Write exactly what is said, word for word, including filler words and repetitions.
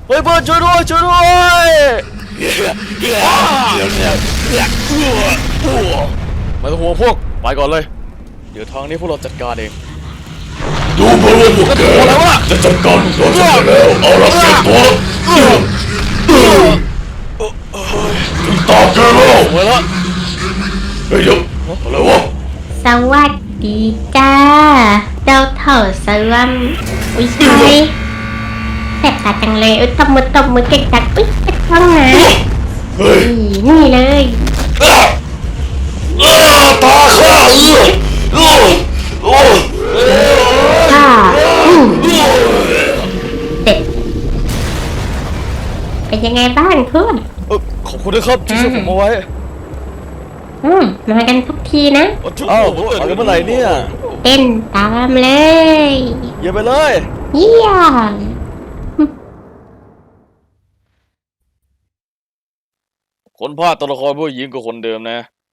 เฮ้ยเพื่อนช่วยด้วยช่วยด้วยไม่ต้องห่วงพวกไปก่อนเลยเดี๋ยวทางนี้พวกเราจัดการเองดูเหมือนว่าพวกแกจะจัดการพวกเราสำเร็จแล้วเอาละเก็บตัวถึงตาแกแล้วไปแล้วเฮ้ยเดี๋ยวอะไรวะสวัสดีจ้าเจ้าเถ่าสลัมอุ้ยใช่แสบตาจังเลยอุ้ยตบมือตบมือเก่งจังอุ้ยเป็นช่องนะเฮ้ยนี่เลยตาข้าเออโอ้ค่ะอืมเด็ดเป็นยังไงบ้างเพื่อนเออขอบคุณนะครับที่ช่วยผมเอาไว้อืมมากันทุกทีนะอ้าวมากันเมื่อไหร่เนี่ยเต้นตามเลยเยี่ยมไปเลยเยี่ยมคนภาคตัวละครผู้หญิงก็คนเดิมนะ